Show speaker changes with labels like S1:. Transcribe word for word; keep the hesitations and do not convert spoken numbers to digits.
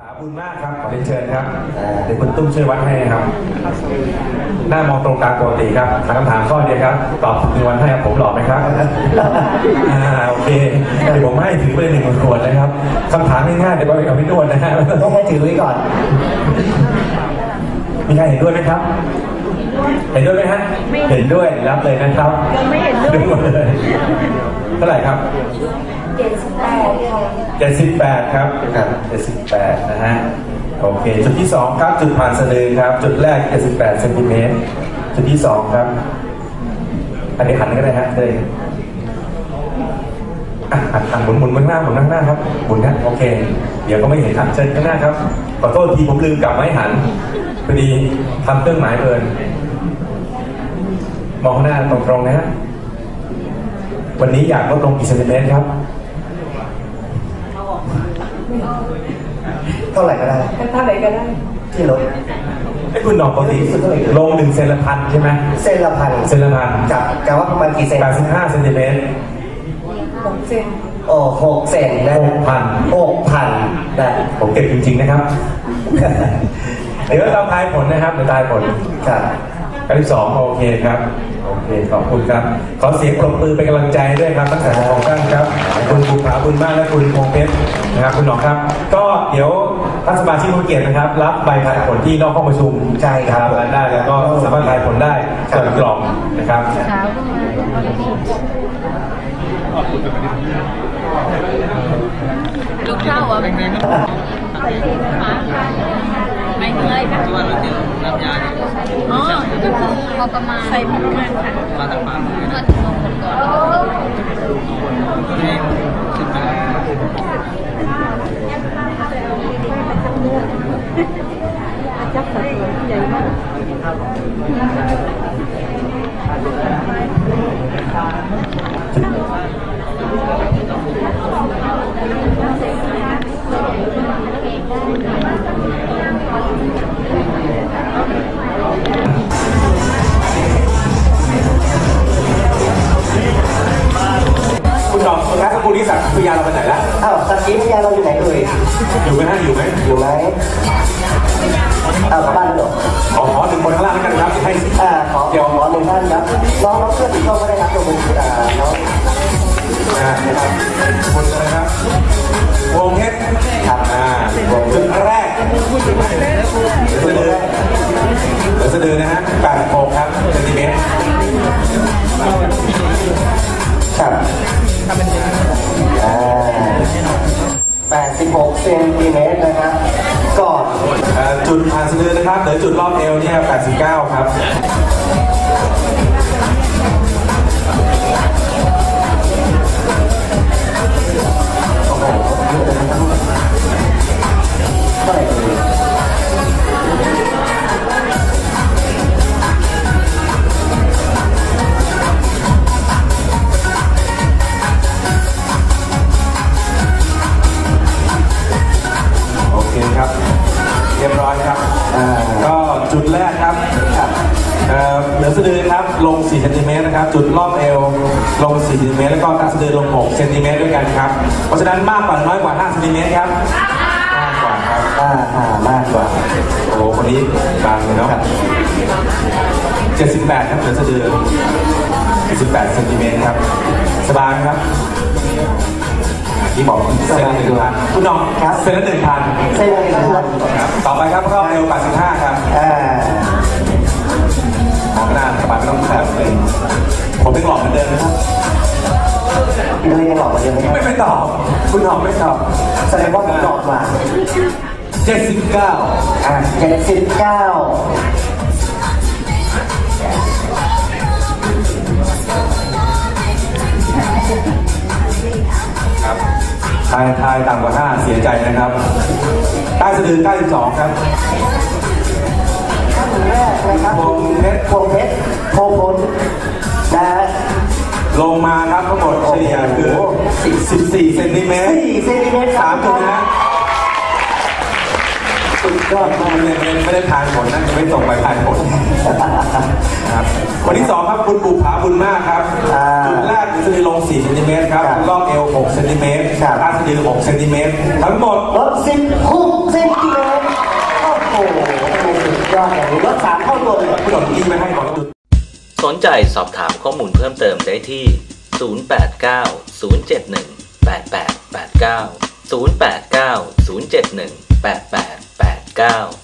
S1: ขอบคุณมากครับขอเรียนเชิญครับเดี๋ยวคุณตุ้มช่วยวัดให้ครับหน้ามองตรงกลางปกติครับถามคำถามข้อเดียวครับตอบหนึ่งวันให้ผมหล่อไหมครับอ่าโอเคเดี๋ยวผมให้ถือไปหนึ่งขวดนะครับคำถามง่ายๆเดี๋ยวไปกับพี่นวลนะฮะ
S2: ต้องให้ถือไว้ก่อน
S1: มีใครเห็นด้วยไหมครับเห็นด้วยไหมฮะเห็นด้วยรับเลยนะครับ
S3: ยังไม่เห็นด้วย
S1: เท่าไหร่ครับ
S3: เจ็ดสิบแปด
S1: เจ็ดสิบแปดครับเจ็ดสิบแปดนะฮะโอเคจุดที่สองครับจุดผ่านสะดือครับจุดแรกเจ็ดสิบแปดเซนติเมตรจุดที่สองครับอันนี้หันก็ได้ฮะเลยอ่ะหันหันหมุนหมุนข้างหน้าหมุนข้างหน้าครับหมุนนะโอเคเดี๋ยวก็ไม่เห็นครับเชิญข้างหน้าครับขอโทษทีผมลืมกลับไม่หันพอดีทำเครื่องหมายเกินมองข้างหน้าตรงๆนะฮะวันนี้อยากลดลงกี่เซนติเมตรครับ
S2: เท่าไหร่ก็ได้
S3: เท่าไหร่ก็ได้
S2: ที่ลด
S1: ไอ้คุณหนอกปกติลงหนึ่งเซนละพันใช่ไหม
S2: เซนละพัน
S1: เซนละพัน
S2: กับกับว่าประมาณกี่เซน
S1: แปดสิบห้าเซนติเมตร
S3: หกเซน
S2: โอ้หกเซนนะ
S1: หกพัน
S2: หกพันนะ
S1: ผมเก็บจริงๆนะครับเดี๋ยวเราทายผลนะครับเดี๋ยวทายผล
S2: ครับ
S1: การที่สองโอเคครับโอเคขอบคุณครับขอเสียงปรบมือเป็นกำลังใจด้วยครับทั้งสองท่านครับคุณภูผาบุญมากและคุณพงเพชรนะครับคุณหนองครับก็เดี๋ยวท่านสมาชิกผู้เกียรตินะครับรับใบทายผลที่นอกห้องประชุม
S2: ใช่ครับ
S1: ได้แล้วก็สามารถทายผลได้เปิดกล่องนะครับ
S3: ลูกเท่าอ่ะไม่เหนื่อยค่ะ
S4: ที่ว่าเราเจอน้ำยาเนี่ย
S3: อ๋อก็คือพอประมาณใส่ประมาณค่ะ
S4: มาจากปาก
S3: เมื่อถึงลงหมดก่อน
S4: ก็เลยขึ้นมา
S3: จับสัดส่วนใหญ่มาก
S1: คุณหนองสุดท้ายสกุลนิสักพยาเราไปไหนแล้ว
S2: อ้าวสักทีพยาเราอยู่ไหนเอ่ย
S1: อยู่ไหมฮะอยู่ไหม
S2: อยู่ไหมอ้าวบ้านเหรอ
S1: ขอขอหนึ่งคนข้างล่างแล้วกันครับให้
S2: อ่าขอเดี๋ยวขอหนึ่งท่านครับน้องน้องเพื่อนที่เข้าไม่ได้รับตัวคุณอ่าน้อง
S1: อ่านะครับคนนะครับวงเพชร
S2: ครับ
S1: อ่าวงจุดแรกสะดือเดี๋ยวสะดือนะฮะแปดหกครับเซนติเมตร
S2: ครับอ่าแปดสิบหกเซนติเมตรนะครับก่อน
S1: จุดผ่านสะดือนะครับเดี๋ยวจุดรอบเอวเนี่ยแปดสิบเก้าครับ
S2: เท่าไหร่ดี
S1: โอเคครับเรียบร้อยครับก็จุดแรกครับเหนือสะดือครับลงสี่เซนติเมตรนะครับจุดรอบเอวลงสี่เซนติเมตรแล้วก็ใต้สะดือลงหกเซนติเมตรด้วยกันครับเพราะฉะนั้นมากกว่าน้อยกว่าห้าเซนติเมตรครับมากกว่าครับ
S2: อ่ามากกว่า
S1: โอ้คนนี้บางเลยเนาะเจ็ดสิบแปดครับเหนือสะดือเจ็ดสิบแปดเซนติเมตรครับสบายครับที่บอกเซนละหนึ่งพันคุณน้องครับเซนละหนึ่งพัน
S2: เซนละหนึ่งพัน
S1: ครับต่อไปครับรอบเอวแปดสิบห้าครับ
S2: อ่า
S1: หน้าสบายไม่ต้องแบบเลยผมเป็นหลอกเหมือนเดิมนะครับ
S2: เลยยังหลอกเหมือนเดิมไหม
S1: ไม่ไม่ตอบคุณหอมไม่ตอบ
S2: แสดงว่าผมหลอกกว่า
S1: เจ็ดสิบเก้า
S2: อ่าเจ็ดสิบเก้า
S1: ครับทายทายต่ำกว่าห้าเสียใจนะครับใต้สะดือเก้าสิบสองครับ
S2: ท่านแรกนะครับ
S1: วงเพชร
S2: วงเพชรโพพลนะ
S1: ลงมาครับทั้งหมดเฉลี่ยคือสิบสี่เซนติเมตร
S2: สี่เซนติเมตร
S1: สามจุดนะสุดยอดมากเลยไม่ได้ทานผลนั่นจะไม่ส่งไปทานผลครับวันที่สองครับคุณบุภาบุญมากครับจุดแรกจะลงสี่เซนติเมตรครับรอบเอวหกเซนติเมตรใต้สะดือหกเซนติเมตรทั้งหมด
S2: ลดสิบหกเซนอดอย่างนี้ลดสามเท่าตัวเลย
S1: ผู้หลงที่ไม่ให้บอกจุด
S5: สนใจสอบถามข้อมูลเพิ่มเติมได้ที่ ศูนย์ แปด เก้า ศูนย์ เจ็ด หนึ่ง แปด แปด แปด เก้า ศูนย์ แปด เก้า ศูนย์ เจ็ด หนึ่ง แปด แปด แปด เก้า